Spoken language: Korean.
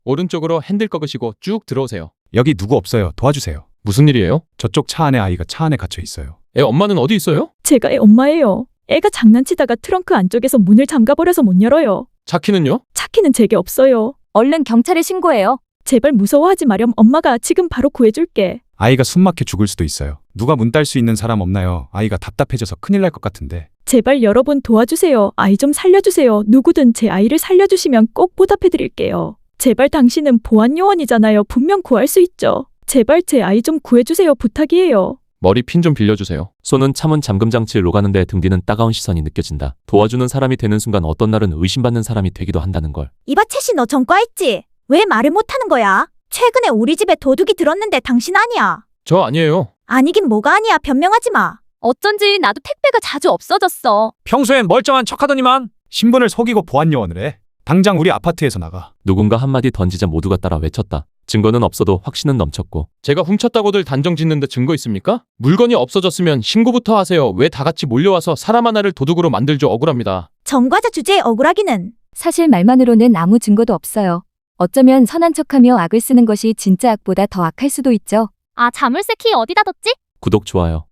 오른쪽으로 핸들 꺾으시고 쭉 들어오세요. 여기 누구 없어요. 도와주세요. 무슨 일이에요? 저쪽 차 안에 아이가 차 안에 갇혀 있어요. 애 엄마는 어디 있어요? 제가 애 엄마예요. 애가 장난치다가 트렁크 안쪽에서 문을 잠가버려서 못 열어요. 차키는요? 차키는 제게 없어요. 얼른 경찰에 신고해요. 제발 무서워하지 마렴. 엄마가 지금 바로 구해줄게. 아이가 숨 막혀 죽을 수도 있어요. 누가 문 딸 수 있는 사람 없나요? 아이가 답답해져서 큰일 날 것 같은데. 제발 여러분 도와주세요. 아이 좀 살려주세요. 누구든 제 아이를 살려주시면 꼭 보답해드릴게요. 제발 당신은 보안요원이잖아요. 분명 구할 수 있죠. 제발 제 아이 좀 구해주세요. 부탁이에요. 머리 핀 좀 빌려주세요. 손은 차문 잠금 장치를 오가는데 등 뒤는 따가운 시선이 느껴진다. 도와주는 사람이 되는 순간 어떤 날은 의심받는 사람이 되기도 한다는 걸. 이봐 채씨 너 전과했지? 왜 말을 못하는 거야? 최근에 우리 집에 도둑이 들었는데 당신 아니야. 저 아니에요. 아니긴 뭐가 아니야. 변명하지 마. 어쩐지 나도 택배가 자주 없어졌어. 평소엔 멀쩡한 척하더니만. 신분을 속이고 보안요원을 해. 당장 우리 아파트에서 나가. 누군가 한마디 던지자 모두가 따라 외쳤다. 증거는 없어도 확신은 넘쳤고. 제가 훔쳤다고들 단정 짓는데 증거 있습니까? 물건이 없어졌으면 신고부터 하세요. 왜 다 같이 몰려와서 사람 하나를 도둑으로 만들죠? 억울합니다. 전과자 주제에 억울하기는. 사실 말만으로는 아무 증거도 없어요. 어쩌면 선한 척하며 악을 쓰는 것이 진짜 악보다 더 악할 수도 있죠. 아, 자물쇠 키 어디다 뒀지? 구독, 좋아요.